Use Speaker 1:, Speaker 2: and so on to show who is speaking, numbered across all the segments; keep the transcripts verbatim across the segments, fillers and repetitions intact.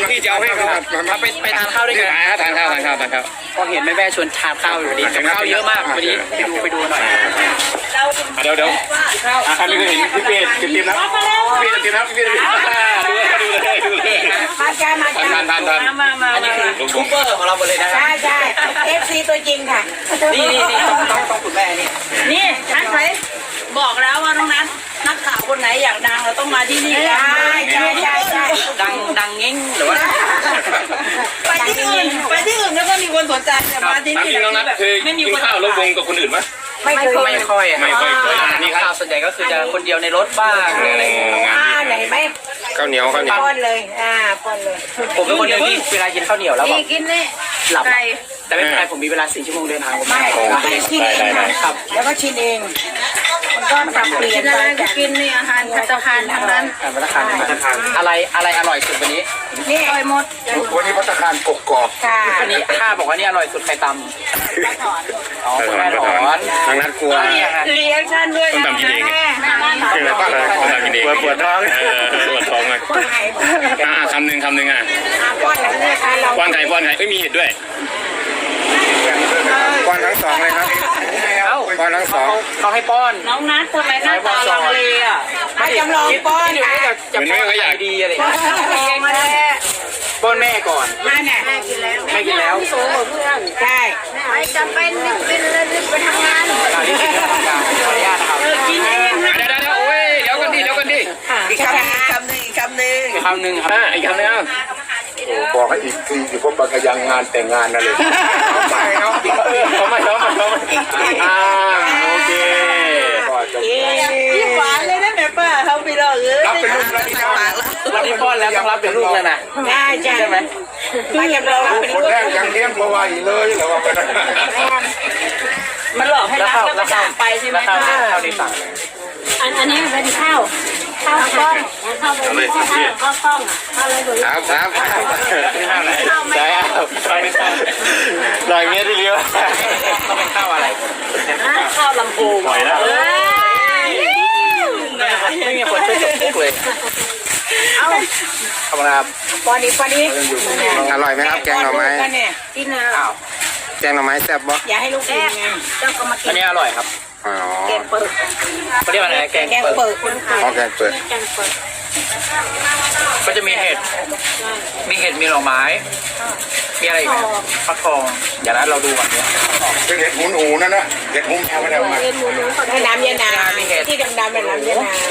Speaker 1: พี่จะเอาให้เขามาไปไปทานข้าวด้วยกันทานข้าวทานข้าวทานข้าวพอเห็นแม่แม่ชวนทานข้าวอยู่ดีข้าวเยอะมากวันนี้ไปดูไปดูหน่อยเดี๋ยวเดี๋ยวอ่ะใครไม่เคยเห็นพี่เป๊ะเต็มๆนะพี่เต็มๆนะพี่เต็มๆดูเลยดูเลยดูเลย
Speaker 2: มาจ้ามาจ้า
Speaker 1: ทานทานทานอันนี้คือทูบเบอร์ของเราหมดเลยนะใช่
Speaker 2: ใช่เอฟซีตัวจริงค่ะ
Speaker 1: นี่นี่นี่ต้องต้องต้องคุณแม่นี่
Speaker 3: นี่นัทใครบอกแล้วว่าน้องนัทนักข่าวคนไหนอยากดังเราต้องมาที่นี่
Speaker 2: ใช่ใช่ใช่ใช่
Speaker 1: ดังดังเง้งหรือว่า
Speaker 3: ไปที่อื่นไปที่อื่นแล้วก็มีคนสนใจแต่มาที่นี่
Speaker 1: น้องนัทเคยกินข้าวแล้ววงกับคนอื่นไหม
Speaker 2: ไม่เคย
Speaker 1: ไม่ค่อยไม่ค่อยนี่ข้าวส่วนใหญ่ก็คือจะคนเดียวในรถบ้างอะไรอย่างเงี้ย
Speaker 2: อ่าไหนไหม
Speaker 1: ข้าวเหนียวข้าวเหนียว
Speaker 2: ป้อนเลยอ่าป้อนเลย
Speaker 1: ผมเป็นคนหนึ่งที่เวลากินข้าวเหนียวแล้วแบบ
Speaker 3: กินนี่
Speaker 1: หลับแต่ไม่เป็นไรผมมีเวลาสี่ชั่วโมงเดินทางผม
Speaker 2: ไม่ไม่ชิมเองครับแล้วก็ชิมเองมันก็ปรับเปลี่ยนไป
Speaker 3: กินนี่อาหารพัฒนาคารทั้งนั้น
Speaker 1: พัฒนาคารอะไรอะไรอร่อยสุดวันนี้
Speaker 2: นี่อร่อยหมด
Speaker 1: วันนี้พัฒนาคารกกอก
Speaker 2: ค่ะ
Speaker 1: วันนี้ข้าบอกว่านี่อร่อยสุดไข่ตำอ๋อแม่ถอนทางนัดกลัว
Speaker 3: รีแอคชั่นด้วย
Speaker 1: นะแม่คืออะไรบ้างปวดปวดท้องปวดท้องเลยอ่าคำหนึ่งคำหนึ่งอ่ะ
Speaker 2: ป้อนไหนเนี่ยคะเรา
Speaker 1: ป้อนไข่ป้อนไข่เอ้ยมีเห็ดด้วย
Speaker 4: ป้อนทั้งสองเลยครับป้อนทั้งสอง
Speaker 1: เขาให้ป้อน
Speaker 3: น้องนัททำไมหน้าตาลังเลอ่ะ
Speaker 2: มาจำลองป้อน
Speaker 1: ค่ะจะป้อนเขาอยากดีอะไรป้อนแม่ก่อน
Speaker 2: แม่เนี่ยแม่กินแล้ว
Speaker 1: แม่กินแล้ว
Speaker 2: โซ่เพื่อนใช่ไม่จำเป็นเป็นเลยไปทำงาน
Speaker 1: อันนี้คือทำงานขออนุญาตนะครับ
Speaker 3: กินเองนะ
Speaker 1: เดี๋ยวเดี๋ยวโอ้ยเดี๋ยวกันดิเดี๋ยวกันดิ
Speaker 2: อีกคำหนึ่งอีกคำหนึ่ง
Speaker 1: อีกคำหนึ่งอีกคำหนึ่งครับอีกคำหนึ่ง
Speaker 4: บอกให้อีกทีอยู่พวกบางยังงานแต่งงานนั่นเลย
Speaker 1: เอาไปเนาะเขาไม่เขาไม่เขาไม่อ่าโอเค
Speaker 3: พี่หวานเลยนะแม่ป้าเขาไปรอเออ
Speaker 4: รับเป็นลูกแล้วที่น้อง
Speaker 1: วันนี้ป้อนแล้วต้องรับเป็นลูกแล้วนะ
Speaker 2: ใช่ใช่ไหมมาจำลองเป็น
Speaker 4: คนแรกยังเลี้ยงเพราะว่าอีเลยเหรอว่าเป็น
Speaker 3: มันหลอกให้รักแล้วก็จากไปใช่ไหมคะ
Speaker 1: ข้าวดีสั่ง
Speaker 3: อันอันนี้เป็นข้าวข้าวกล้องข้าวเป็นข้าวข้าวกล้องข้าวอะไรดู
Speaker 1: ครับครับใช่ครับลอยเมียที่เลี้ยวต้องเป็นข้าวอะไร
Speaker 3: ข้าวลำพู
Speaker 1: ปล่อยแล้วไม่มีคนช่วยจบทุกเลย
Speaker 2: เอา
Speaker 1: ขอบคุณครับ
Speaker 2: ปอนี้ปอนี้
Speaker 4: อร่อยไหมครับแกงหน่อไม้
Speaker 2: กินนะ
Speaker 4: แกงหน่อไม้แซ่บบ่
Speaker 2: อย่าให้ลูกกินไงเจ้าก็มากิน
Speaker 1: อันนี้อร่อยครับ
Speaker 4: อ๋อ
Speaker 2: แกงเปิด
Speaker 1: เขาเรียกว่าอะไรแกง
Speaker 2: เปิด
Speaker 4: อ๋อแกงเปิด
Speaker 1: ก็จะมีเห็ดมีเห็ดมีหน่อไม้มีอะไรอีกไหมฟักทองอย่างนั้นเราดูก่อนเนี่ย
Speaker 4: เป็นเห็ดหูหนูนั่นนะเห็ดหูแมวไม่ได้มา
Speaker 2: ให้น้ำเย็นนาที่ดำๆเป็นน้ำเย็นนา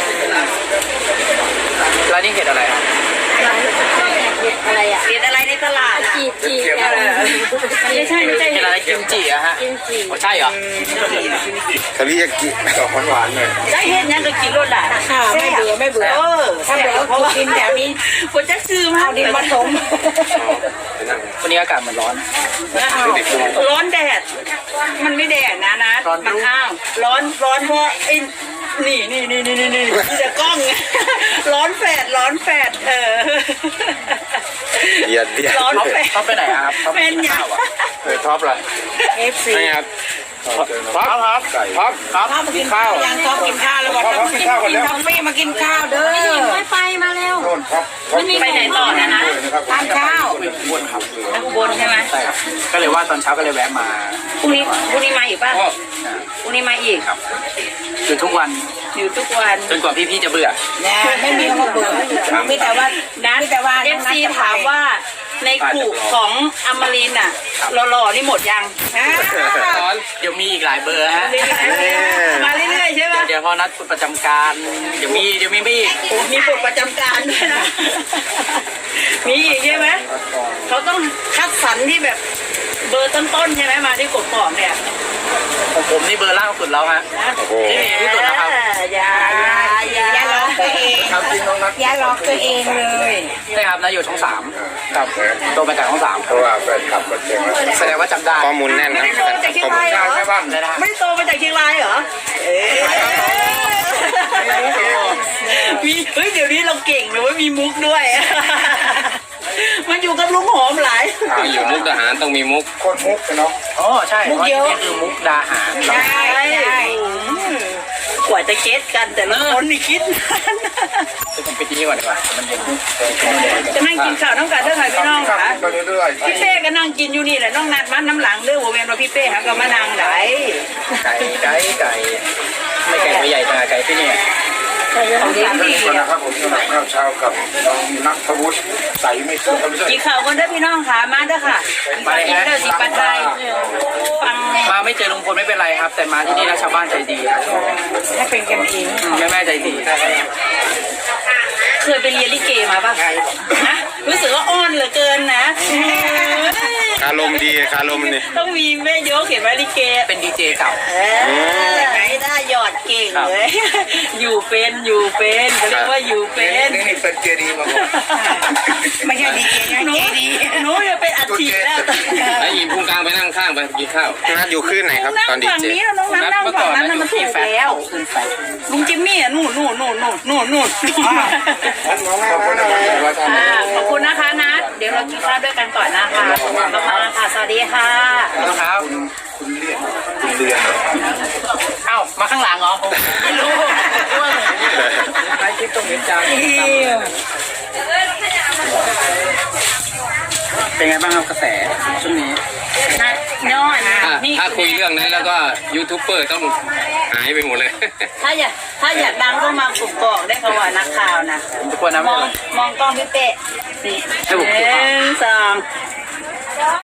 Speaker 1: แล้วนี่เห็ดอะไรครับ
Speaker 2: อะไรอ่ะ
Speaker 3: เห็ดอะไรในตลาด
Speaker 2: จีจี
Speaker 3: ไม่ใช่ไม่ใช่
Speaker 1: เห็ดอะไรกิมจิอะฮะใช่เหรอ
Speaker 4: ทะเลกิดอกหวานๆเลย
Speaker 3: ได้เห็ดยังก็กินรสได้
Speaker 2: ค่ะไม่เบื่อไม่เบื่อเออถ้าเบื่อเพราะว่ากินแถวนี้
Speaker 3: ฝนจะซื้อมา
Speaker 2: เอาดินผสม
Speaker 1: วันนี้อากาศมันร้อน
Speaker 3: ร้อนแดดมันไม่แดดนะนะมันอ้าวร้อนร้อนเพราะไอ้นี่นี่นี่นี่นี่นี่จะกล้องร้อนแฝดร้อนแฝดเออ
Speaker 4: เย็นเย็น
Speaker 3: ร้อนแฝด
Speaker 1: เขาไปไหนครับเขา
Speaker 3: เป็นยัง
Speaker 4: เออท็อปเลย
Speaker 2: เอฟซี
Speaker 1: ครับท็อปครับท็อปท็อป
Speaker 2: กินข้าวยังท็อปกินข้าวแล้วบอกท็อปกินข้าวกินกาแฟมากินข้าวเด้อ
Speaker 3: ไม่ไปมาเร็ว
Speaker 4: ไม่
Speaker 3: มีไปไหนต่อนะนะ
Speaker 2: ทานข้าว
Speaker 1: บนครับ
Speaker 3: บนใช่ไหม
Speaker 1: ใช่ครับก็เลยว่าตอนเช้าก็เลยแวะมา
Speaker 3: พรุ่งนี้พรุ่งนี้มาอีกป่ะพรุ่งนี้มาอีก
Speaker 1: ครับอยู่ทุกวัน
Speaker 3: อยู่ทุกวัน
Speaker 1: จนกว่าพี่ๆจะเบื่อ
Speaker 2: ไม่มีเขาเบื่อไม่แต่ว่า
Speaker 3: นะ
Speaker 2: แต่ว่า
Speaker 3: เอฟซีถามว่าในกลุ่มของอมรินอ่ะหล่อๆนี่หมดยัง
Speaker 1: เดี๋ยวมีอีกหลายเบอร์ฮะ
Speaker 3: มาเรื่อยๆใช่ไหม
Speaker 1: เดี๋ยวพอนัดประจำการเดี๋ยวมีเดี๋ยวมีมีอีก
Speaker 3: มีปลดประจำการด้วยนะมีอีกใช่ไหมเขาต้องคัดสรรที่แบบเบอร์ต้นๆใช่ไหมมาที่กบกอกเนี่ย
Speaker 1: ของผมนี่เบอร์ล่างสุดแล้วฮะนี่มีที่สุดนะครับ
Speaker 3: อย่าอย่า
Speaker 2: อย่าหลอกตัวเองอย่าหลอกตัวเองเลย
Speaker 1: ใช่ครับนะอยู่ช่องสามครับโตมาจากช่องสาม
Speaker 4: เพราะว่าแฟนคลับมันเก่ง
Speaker 1: แสดงว่าจำได้
Speaker 4: ข้อมูลแน่นนะ
Speaker 3: ไม่ได้โตมาจากเชียงรายเหรอไม่ได้โตมาจากเชียงรายเหรอมีเฮ้ยเดี๋ยวนี้เราเก่งเลยว่ามีมุกด้วยมันอยู่กับลุงหอมหลาย
Speaker 1: อยู่มุกดาหารต้องมีมุก
Speaker 4: คนมุกเนาะ
Speaker 1: อ๋อใช่มุกเยอะคือมุกดาหาร
Speaker 3: ใช่ใช่กว่าจะเก็ตกันแต่ละคนนี่คิดนาน
Speaker 1: จะผมไปที่นี่ก่อนดีกว่ามันเย็น
Speaker 3: จะนั่งกินข้าวน้องกันเท่าไหร่พี่น้องคะ
Speaker 4: ไปเรื่อย
Speaker 3: พี่เป้ก็นั่งกินอยู่นี่แหละน้องนัดมันน้ำหลังเด้อโวเวนว่าพี่เป้หาก็มานั่งไหน
Speaker 1: ไก่ไก่ไก่ไม่ไก่ไม่ใหญ่ขนาดไก่ที่นี่
Speaker 3: ของดี
Speaker 4: ๆ
Speaker 3: ดี
Speaker 4: นี่ก่อนนะครับผมสำหรับข้าวเช้ากับน้องนัทวุฒิใสไม่สู้ไม่ใช่
Speaker 3: กินข้าวกันเด้อพี่น้องค่ะมาเด้อค่ะกินข้าวกินเด้อสิปัดไทยฟัง
Speaker 1: มาไม่เจอลุงพลไม่เป็นไรครับ แต่มาที่นี่แล้วชาวบ้านใจดีครับ
Speaker 3: ให้เป็นกันเอง
Speaker 1: แม่แม่ใจดี
Speaker 3: เคยไปเรียนลิเกมาป่ะฮะรู้สึกว่าอ้อนเหลือเกินนะ
Speaker 5: คารมดีคารมนี่
Speaker 3: ต้องมีแม่โยกเขียนไว้ลิเก
Speaker 1: เป็นดีเจเก่า
Speaker 3: เออไหนได้หยอดเก่งเลย อยู่เป็นอยู่เป็นเขาเรียกว่าอยู่เป็น
Speaker 4: นี่เป็นเจดีมาก่อน
Speaker 2: ไม่ใช่ดีเจนะเจดี
Speaker 3: หนูจะเป็นอัฐิแล้ว
Speaker 5: ไอ้ยิมพุงกลางไปนั่งข้างไปกินข้าวนัดอยู่ขึ้นไหนครับ
Speaker 3: นั่ง
Speaker 5: ตอนดี
Speaker 3: ฝั่ง
Speaker 5: เจ
Speaker 3: นี้แล้วน้องน้ำนั่งฝั่งนั้นน่ะมันถูกแล้ว
Speaker 1: ขึ้นไฟ
Speaker 3: ลุงจิมมี่อ่ะนู่นนู่นนู่นนู่นนู่นนู่น
Speaker 4: ขอบคุณนะครับ
Speaker 3: อ่าขอบคุณนะคะนัทเดี๋ยวเรากินข้าวด้วยกันก่อนนะคะขอบคุณมากค่ะสวัสดีค่ะ
Speaker 1: ครับ
Speaker 4: คุณเลียนคุณเลียน
Speaker 1: เอ้ามาข้างหลังเหรอไม่รู้ไอ้คลิปตรงนี้จ้าเป็นไงบ้างครับกระแสช่วงนี้
Speaker 3: นัทย้อน
Speaker 5: ถ้า
Speaker 3: นี่
Speaker 5: ถ้าคุยเรื่องนั้นแล้วก็ยูทูบเบอร์ต้องหายไปหมดเลย
Speaker 3: ถ้าอยากถ้าอยากดังก็มากลุ่มกอกได้ค่ะว่านักข่าวนะ
Speaker 1: ทุกคนนะ
Speaker 3: ม
Speaker 1: ไม่
Speaker 3: อง
Speaker 1: เป็นไร
Speaker 3: มองกล้องพี่เป๊ะ
Speaker 1: ให้ผม
Speaker 3: ห
Speaker 1: ดู
Speaker 3: นึ่งสอง